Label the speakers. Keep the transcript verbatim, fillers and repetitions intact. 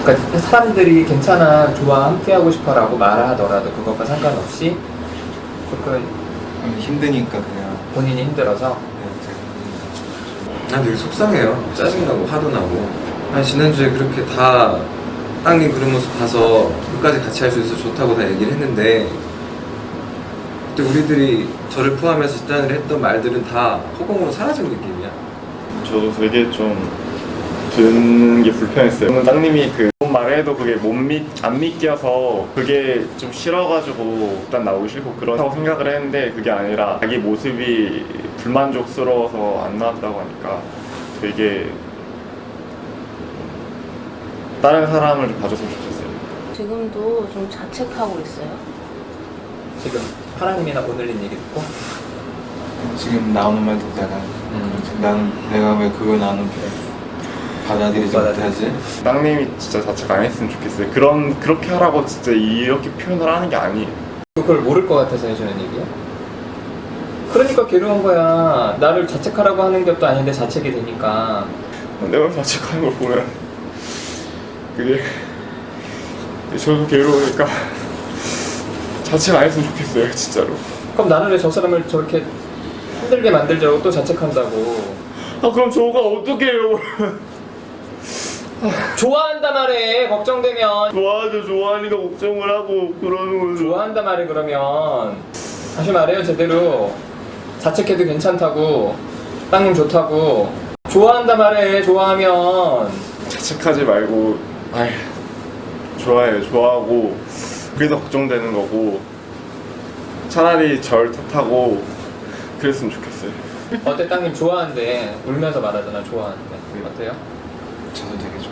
Speaker 1: 그러니까 사람들이 괜찮아, 좋아, 함께하고 싶어라고 말하더라도 그것과 상관없이 조금
Speaker 2: 힘드니까 그냥
Speaker 1: 본인이 힘들어서.
Speaker 3: 난 되게 속상해요. 짜증나고 화도 나고. 아니 지난주에 그렇게 다 땅님 그런 모습 봐서 끝까지 같이 할 수 있어서 좋다고 다 얘기를 했는데 그때 우리들이 저를 포함해서 지난주에 했던 말들은 다 허공으로 사라진 느낌이야.
Speaker 4: 저도 되게 좀 듣는 게 불편했어요. 저는 땅님이 그 말해도 그게 못 믿, 안 믿겨서 그게 좀 싫어가지고 일단 나오기 싫고 그렇다고 생각을 했는데 그게 아니라 자기 모습이 불만족스러워서 안 나왔다고 하니까 되게 다른 사람을 좀 봐줬으면 좋겠어요.
Speaker 5: 지금도 좀 자책하고 있어요.
Speaker 1: 지금 하나님이나 오늘린 얘기 듣고
Speaker 2: 지금 나오는 말 듣다가
Speaker 1: 음.
Speaker 2: 나는 내가 왜 그걸 나는 받아들이지 못하지?
Speaker 4: 땅님이 진짜 자책 안 했으면 좋겠어요. 그런 그렇게 하라고 진짜 이렇게 표현을 하는 게 아니에요.
Speaker 1: 그걸 모를 것 같아서 해주는 얘기야? 그러니까 괴로운 거야. 나를 자책하라고 하는 것도 아닌데 자책이 되니까.
Speaker 4: 내가 자책하는 걸 보면 그게 저도 괴로우니까 자책 안 했으면 좋겠어요, 진짜로.
Speaker 1: 그럼 나는 왜 저 사람을 저렇게 힘들게 만들자고 또 자책한다고.
Speaker 4: 아 그럼 저가 어떻게 해요?
Speaker 1: 좋아한다 말해, 걱정되면.
Speaker 4: 좋아하죠. 좋아하니까 걱정을 하고 그러는 거죠.
Speaker 1: 좋아한다 말해. 그러면 다시 말해요, 제대로. 자책해도 괜찮다고, 땅님 좋다고. 좋아한다 말해. 좋아하면.
Speaker 4: 자책하지 말고 아휴 좋아해요. 좋아하고 그래서 걱정되는 거고 차라리 절 탓하고 그랬으면 좋겠어요.
Speaker 1: 어때? 땅님 좋아한대. 울면서 말하잖아, 좋아하는데. 어때요?
Speaker 2: 저도 되게 좋아.